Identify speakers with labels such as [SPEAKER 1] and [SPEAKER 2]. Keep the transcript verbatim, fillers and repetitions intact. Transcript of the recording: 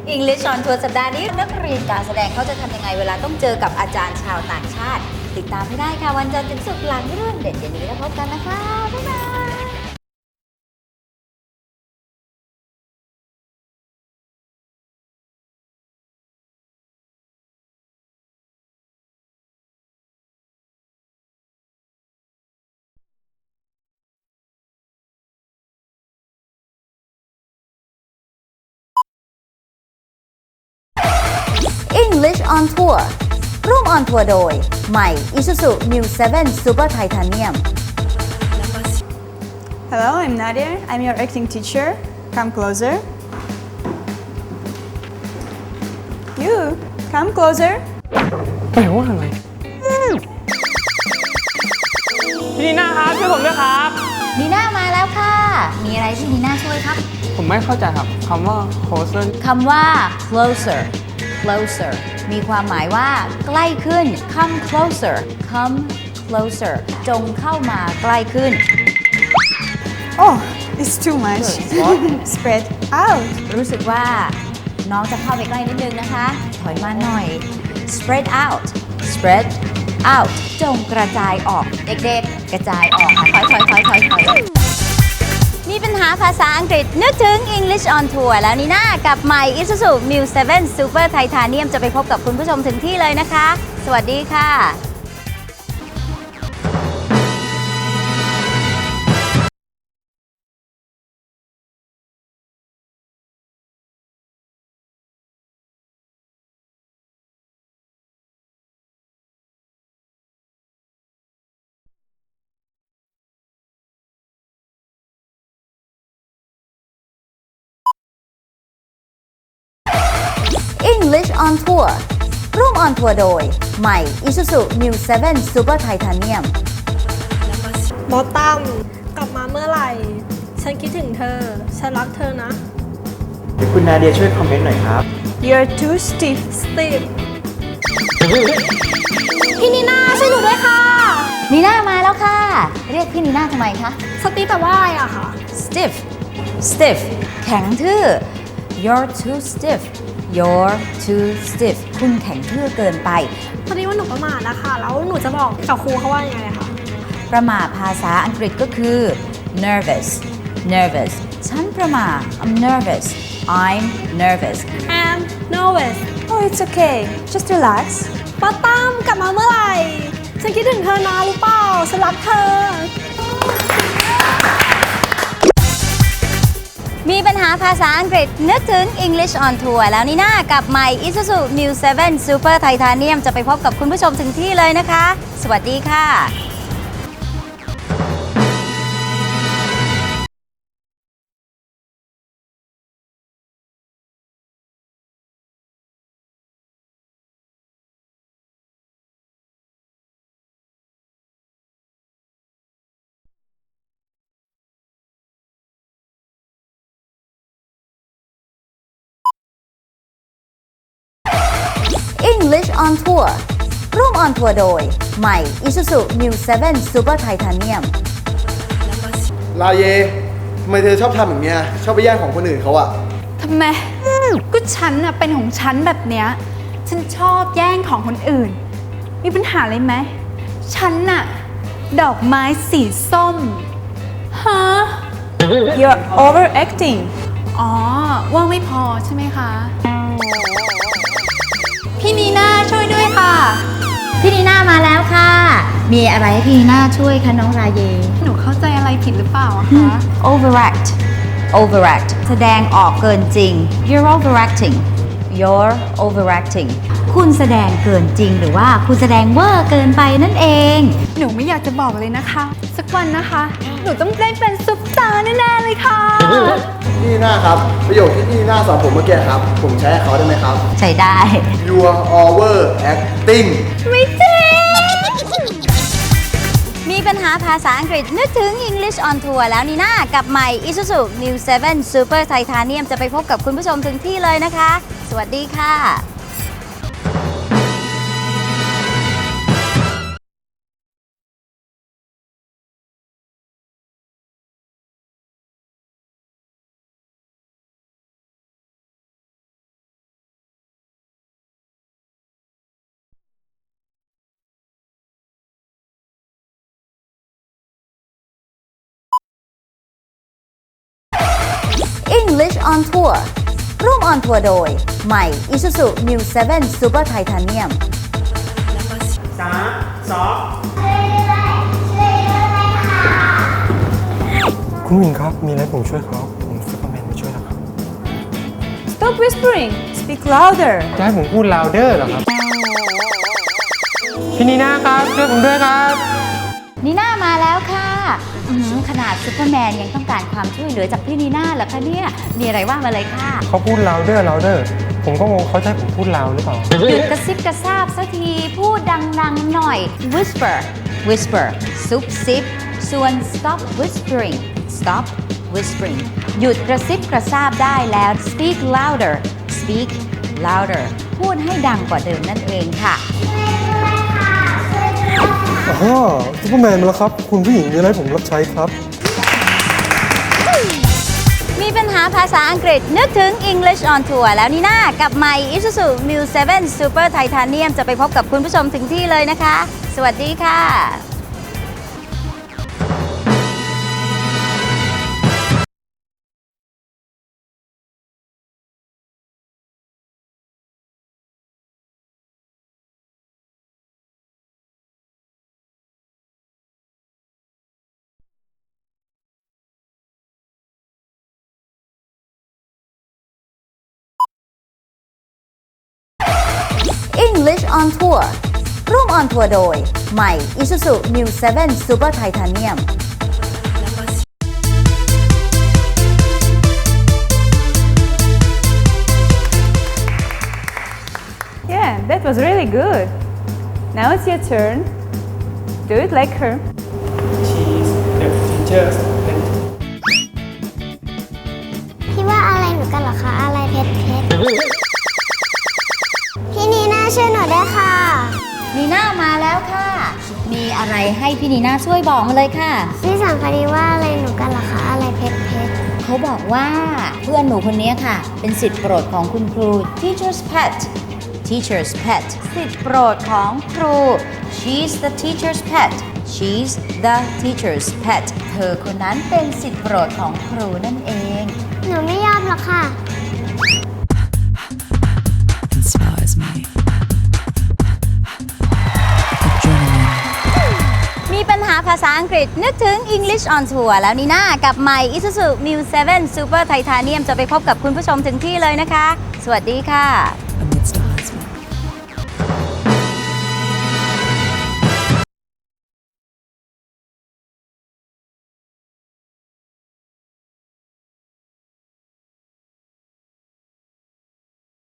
[SPEAKER 1] English on Tour สัปดาห์นี้นักเรียนการแสดงเขาจะทำยังไงเวลาต้องเจอกับอาจารย์ชาวต่างชาติ ติดตามให้ได้ค่ะวันจันทร์ถึงศุกร์หลังเรื่องเด็ดเย็นนี้แล้วพบกันนะคะ บ๊ายบาย English on Tour ร่วมออนทัวร์โดยใหม่ Isuzu Mu เซเว่น Super Titanium
[SPEAKER 2] Hello, I'm Nadia. I'm your acting teacher. Come closer. You, come closer.
[SPEAKER 3] แปลว่าอะไรพี่นีน่าครับช่วยผมด้วยครับ
[SPEAKER 1] นีน่ามาแล้วค่ะ มีอะไรที่นีน่าช่วยครับ
[SPEAKER 3] ผมไม่เข้าใจครับคำว่า closer
[SPEAKER 1] คำว่า closer closer มีความหมายว่าใกล้ขึ้น come closer come closer จงเข้ามาใกล้ขึ้น
[SPEAKER 2] Oh, it's too much. Spread out.
[SPEAKER 1] รู้สึกว่าน้องจะเข้าไปใกล้นิดนึงนะคะ ถอยมาหน่อย spread out spread out จงกระจายออก เด็กๆ กระจายออกค่ะถอยถอยถอยถอยถอยมีปัญหาภาษาอังกฤษนึกถึง English on Tour แล้วนี่นากับใหม่ Isuzu Mu เซเว่น Super Titanium จะไปพบกับคุณผู้ชมถึงที่เลยนะคะ สวัสดีค่ะ English on Tour ร่วมออนทัวร์โดยใหม่ Isuzu Mu เซเว่น Super Titanium
[SPEAKER 4] บอสตัมกลับมาเมื่อไหร่ ฉันคิดถึงเธอ ฉันรักเธอนะ
[SPEAKER 5] เดี๋ยวคุณนาเดียช่วยคอมเมนต์หน่อยครับ
[SPEAKER 2] You're too stiff.
[SPEAKER 4] สตีฟพี่นีน่าช่วยหนูด้วยค่ะ
[SPEAKER 1] นีน่ามาแล้วค่ะ เรียกพี่นีน่าทำไมคะ
[SPEAKER 4] สตีฟแต่ว่าอะไรอะค่ะ
[SPEAKER 1] stiff stiff แข็งทื่อ you're too stiff you're too stiff คุณแข็งทื่อเกินไป
[SPEAKER 4] พอดีว่าหนูประมาทนะคะ แล้วหนูจะบอกกับครูเขาว่ายังไงอะคะ
[SPEAKER 1] ประมาทภาษาอังกฤษก็คือ nervous nervous ฉันประมาท I'm nervous I'm nervous
[SPEAKER 4] I'm nervous
[SPEAKER 2] Oh, it's okay. Just relax.
[SPEAKER 4] บอสตัมกลับมาเมื่อไหร่ ฉันคิดถึงเธอนะรู้เปล่า ฉันรักเธอ
[SPEAKER 1] มีปัญหาภาษาอังกฤษนึกถึง English on Tour แล้วนี่นากับใหม่ Isuzu Mu เซเว่น Super Titanium จะไปพบกับคุณผู้ชมถึงที่เลยนะคะ สวัสดีค่ะ English on Tour ร่วมออนทัวร์โดยใหม่ Isuzu Mu เซเว่น Super Titanium
[SPEAKER 5] ลาเยทำไมเธอชอบทำอย่างเงี้ย ชอบไปแย่งของคนอื่นเขาอะ
[SPEAKER 2] ทำไม ก็ฉันน่ะเป็นของฉันแบบเนี้ย ฉันชอบแย่งของคนอื่น มีปัญหาอะไรไหม ฉันน่ะ ดอกไม้สีส้ม ฮะ You're overacting อ๋อ ว่าไม่พอใช่ไหมคะ พี่นีน่าช่วยด้วยค่ะ
[SPEAKER 1] พี่นีน่ามาแล้วค่ะ มีอะไรให้พี่นีน่าช่วยคะน้องราเย
[SPEAKER 2] หนูเข้าใจอะไรผิดหรือเปล่าอะคะ
[SPEAKER 1] overact overact แสดงออกเกินจริง you're overacting you're overacting คุณแสดงเกินจริงหรือว่าคุณแสดงเวอร์เกินไปนั่นเอง
[SPEAKER 2] หนูไม่อยากจะบอกเลยนะคะ สักวันนะคะ หนูต้องได้เป็นซุปตาร์แน่ๆเลยค่ะ
[SPEAKER 5] พี่หน้าครับ ประโยคที่พี่หน้าสอนผมเมื่อกี้ครับ ผมใช้ให้เขาได้ไหมครับ
[SPEAKER 1] ใช้ได้
[SPEAKER 5] You're overacting
[SPEAKER 1] ไม่จริง มีปัญหาภาษาอังกฤษนึกถึง English on Tour แล้วนี่นากับใหม่ Isuzu Mu เซเว่น Super Titanium จะไปพบกับคุณผู้ชมถึงที่เลยนะคะ สวัสดีค่ะ English on Tour ร่วมออนทัวร์โดย ใหม่ Isuzu New เซเว่น Super Titanium
[SPEAKER 3] สามสอง
[SPEAKER 6] คุณหญิงครับ มีอะไรผมช่วยเขาผมซูเปอร์แมนมาช่วยแล้วครับ
[SPEAKER 2] Stop whispering speak louder
[SPEAKER 6] จะให้ผมพูด louder เหรอครับ พี่นีน่าครับ ช่วยผมด้วยครับ
[SPEAKER 1] นีน่ามาแล้วค่ะอื้อหือขนาดซูเปอร์แมนยังต้องการความช่วยเหลือจากพี่นีน่าเหรอคะเนี่ย มีอะไรว่ามาเลยค่ะ
[SPEAKER 6] เขาพูด louder louder ผมก็งงเขาจะให้ผมพูด loud หรือเปล่า
[SPEAKER 1] หยุดกระซิบกระซาบสักที พูดดังๆหน่อย whisper whisper ซุบซิบส่วน stop whispering stop whispering หยุดกระซิบกระซาบได้แล้ว speak louder speak louder พูดให้ดังกว่าเดิมนั่นเองค่ะ
[SPEAKER 6] อ๋อซูเปอร์แมนมาแล้วครับ คุณผู้หญิงมีอะไรให้ผมรับใช้ครับ
[SPEAKER 1] มีปัญหาภาษาอังกฤษนึกถึง English on Tour แล้วนี่นากับใหม่ Isuzu New เซเว่น Super Titanium จะไปพบกับคุณผู้ชมถึงที่เลยนะคะ สวัสดีค่ะ English on Tour ร่วมออนทัวร์โดย ใหม่ Isuzu New เซเว่น Super Titanium
[SPEAKER 2] Yeah that was really good now it's your turn do it like her
[SPEAKER 6] She's the teacher's pet
[SPEAKER 7] พี่ว่าอะไรหนูกันเหรอคะ อะไรเพชรเพชรพี่นีน่าช่วยหนูด้วยค่ะ
[SPEAKER 1] นีน่ามาแล้วค่ะ มีอะไรให้พี่นีน่าช่วยบอกมาเลยค่ะ
[SPEAKER 7] พี่สั่งพอดีว่าอะไรหนูกันเหรอคะ อะไรเพชรเพชร
[SPEAKER 1] เขาบอกว่าเพื่อนหนูคนนี้ค่ะ เป็นสิทธิ์โปรดของคุณครู teacher's pet teacher's pet สิทธิ์โปรดของครู she's the teacher's pet she's the teacher's pet เธอคนนั้นเป็นสิทธิ์โปรดของครูนั่นเอง
[SPEAKER 7] หนูไม่ยอมหรอกค่ะ
[SPEAKER 8] inspires me. Adrenaline.
[SPEAKER 1] มีปัญหาภาษาอังกฤษนึกถึง English on Tour แล้วนี่นากับใหม่ Isuzu New เซเว่น Super Titanium จะไปพบกับคุณผู้ชมถึงที่เลยนะคะ สวัสดีค่ะ